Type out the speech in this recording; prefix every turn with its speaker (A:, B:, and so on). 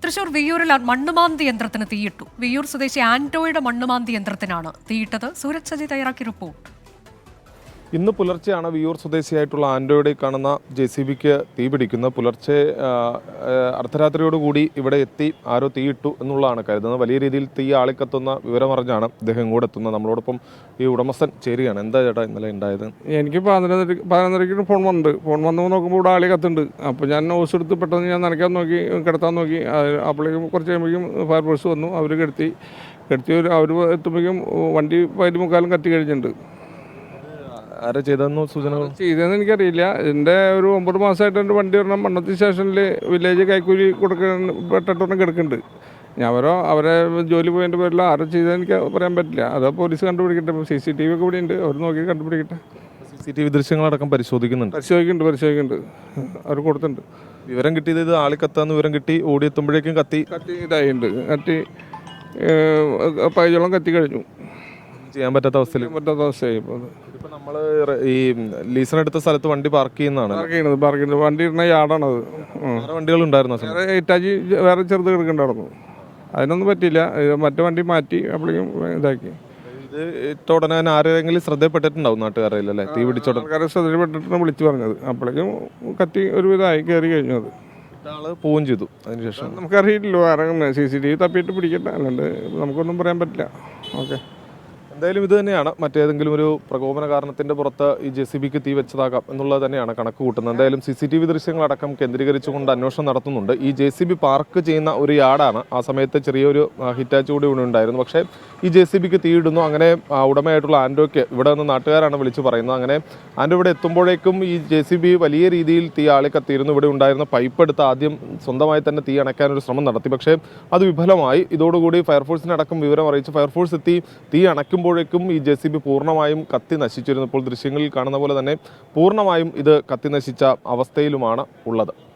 A: തൃശൂർ വിയ്യൂരിൽ മണ്ണുമാന്തി യന്ത്രത്തിന് തീയിട്ടു. വിയ്യൂർ സ്വദേശി ആന്റോയുടെ മണ്ണുമാന്തി യന്ത്രത്തിനാണ് തീയിട്ടത്. സൂരജ് സജി തയ്യാറാക്കിയ റിപ്പോർട്ട്.
B: ഇന്ന് പുലർച്ചെയാണ് വിയ്യൂർ സ്വദേശിയായിട്ടുള്ള ആന്റോയുടെ കാണുന്ന JCBക്ക് തീ പിടിക്കുന്നത്. പുലർച്ചെ അർദ്ധരാത്രിയോടുകൂടി ഇവിടെ എത്തി ആരോ തീയിട്ടു എന്നുള്ളതാണ് കരുതുന്നത്. വലിയ രീതിയിൽ തീ ആളിക്കത്തുന്ന വിവരമറിഞ്ഞാണ് ഇദ്ദേഹം ഇങ്ങോട്ട് എത്തുന്നത്. നമ്മളോടൊപ്പം ഈ ഉടമസ്ഥൻ ചേരുകയാണ്. എന്താ ചേട്ടാ ഇന്നലെ ഉണ്ടായത്?
C: എനിക്ക് 11:30 ഫോൺ വന്നിട്ടുണ്ട്. ഫോൺ വന്ന് നോക്കുമ്പോൾ ഇവിടെ ആളി കത്തുണ്ട്. അപ്പോൾ ഞാൻ ന്യൂസ് എടുത്ത് പെട്ടെന്ന് ഞാൻ നനയ്ക്കാൻ നോക്കി, കിടത്താൻ നോക്കി. അപ്പോഴേക്കും കുറച്ച് കഴിയുമ്പോഴേക്കും ഫയർഫോഴ്സ് വന്നു. അവർ കിടത്തി അവർ എത്തുമ്പോഴേക്കും വണ്ടി പകുതി മുക്കാലും കത്തി കഴിഞ്ഞിട്ടുണ്ട്.
B: ആരാ ചെയ്തതെന്നോ സൂചനകൾ?
C: ചെയ്തതെന്ന് എനിക്കറിയില്ല. എൻ്റെ ഒരു 9 മാസമായിട്ട് എൻ്റെ വണ്ടി ഒരെണ്ണം മണ്ണത്തി സ്റ്റേഷനിൽ വില്ലേജ് കൈക്കൂലി പെട്ടിട്ടൊന്നും കിടക്കുന്നുണ്ട്. ഞാൻ അവരെ ജോലി പോയതിൻ്റെ പേരിൽ ആരും ചെയ്തതെന്ന് എനിക്ക് പറയാൻ പറ്റില്ല. അത് പോലീസ് കണ്ടുപിടിക്കട്ടെ. CCTV ഒക്കെ ഇവിടെ ഉണ്ട്, അവർ നോക്കി കണ്ടുപിടിക്കട്ടെ.
B: CCTV ദൃശ്യങ്ങളടക്കം പരിശോധിക്കുന്നുണ്ട്.
C: പരിശോധിക്കുന്നുണ്ട്. അവർ കൊടുത്തിട്ടുണ്ട്.
B: വിവരം കിട്ടിയത് ഇത് ആളിക്കത്താന്ന് വിവരം കിട്ടി. ഓടിയെത്തുമ്പോഴേക്കും കത്തി
C: ഇതായിട്ടുണ്ട്. പൈജോളം കത്തി കഴിഞ്ഞു.
B: ചെയ്യാൻ പറ്റാത്ത അവസ്ഥയായി. ഇപ്പൊ നമ്മള് ഈ ലീസിനെടുത്ത സ്ഥലത്ത് വണ്ടി പാർക്ക് ചെയ്യുന്നതാണ്.
C: വണ്ടി ഇടുന്ന യാർഡാണത്.
B: വണ്ടികൾ ഉണ്ടായിരുന്നു.
C: ഇറ്റാച്ചി വേറെ ചെറുത് കിടക്കണ്ടായിരുന്നു. അതിനൊന്നും പറ്റിയില്ല. മറ്റു വണ്ടി മാറ്റി അപ്പോഴേക്കും ഇതാക്കി.
B: ഇത് ഇട്ട ഉടനെ ആരെങ്കിലും ശ്രദ്ധയിൽപ്പെട്ടിട്ടുണ്ടാവും നാട്ടുകാരല്ലേ? തീ പിടിച്ചോട്ടെ
C: ആൾക്കാരെ ശ്രദ്ധയിൽപ്പെട്ടിട്ടാണ് വിളിച്ചു പറഞ്ഞത്. അപ്പോഴേക്കും കത്തി ഒരുവിധമായി കയറി കഴിഞ്ഞു. അത്
B: ആള് പോവുകയും ചെയ്തു. അതിനുശേഷം
C: നമുക്കറിയില്ലല്ലോ ആരെങ്കിലും CCTV തപ്പിയിട്ട് പിടിക്കട്ടെ, അല്ലാണ്ട് നമുക്കൊന്നും പറയാൻ പറ്റില്ല. ഓക്കെ,
B: എന്തായാലും ഇത് തന്നെയാണ്. മറ്റേതെങ്കിലും ഒരു പ്രകോപന കാരണത്തിന്റെ പുറത്ത് ഈ JCBക്ക് തീ വെച്ചതാകാം എന്നുള്ളത് തന്നെയാണ് കണക്ക് കൂട്ടുന്നത്. എന്തായാലും CCTV ദൃശ്യങ്ങളടക്കം കേന്ദ്രീകരിച്ചുകൊണ്ട് അന്വേഷണം നടത്തുന്നുണ്ട്. ഈ JCB പാർക്ക് ചെയ്യുന്ന ഒരു യാർഡാണ്. ആ സമയത്ത് ചെറിയൊരു ഹിറ്റാച്ച് കൂടി ഇവിടെ ഉണ്ടായിരുന്നു. പക്ഷേ ഈ JCBക്ക് തീയിടുന്നു. അങ്ങനെ ഉടമയായിട്ടുള്ള ആന്റോയ്ക്ക് ഇവിടെ നിന്ന് നാട്ടുകാരാണ് വിളിച്ചു പറയുന്നത്. അങ്ങനെ ആന്റോ ഇവിടെ എത്തുമ്പോഴേക്കും ഈ JCB വലിയ രീതിയിൽ തീ ആളിക്കത്തിയിരുന്നു. ഇവിടെ ഉണ്ടായിരുന്ന പൈപ്പ് എടുത്ത് ആദ്യം സ്വന്തമായി തന്നെ തീ അണയ്ക്കാനൊരു ശ്രമം നടത്തി. പക്ഷേ അത് വിഫലമായി. ഇതോടുകൂടി ഫയർഫോഴ്സിനടക്കം വിവരം അറിയിച്ച് ഫയർഫോഴ്സ് എത്തി. തീ അണയ്ക്കുമ്പോഴേക്കും ഈ JCB പൂർണ്ണമായും കത്തി നശിച്ചിരുന്നു. ഇപ്പോൾ ദൃശ്യങ്ങളിൽ കാണുന്ന പോലെ തന്നെ പൂർണ്ണമായും ഇത് കത്തി നശിച്ച അവസ്ഥയിലുമാണ് ഉള്ളത്.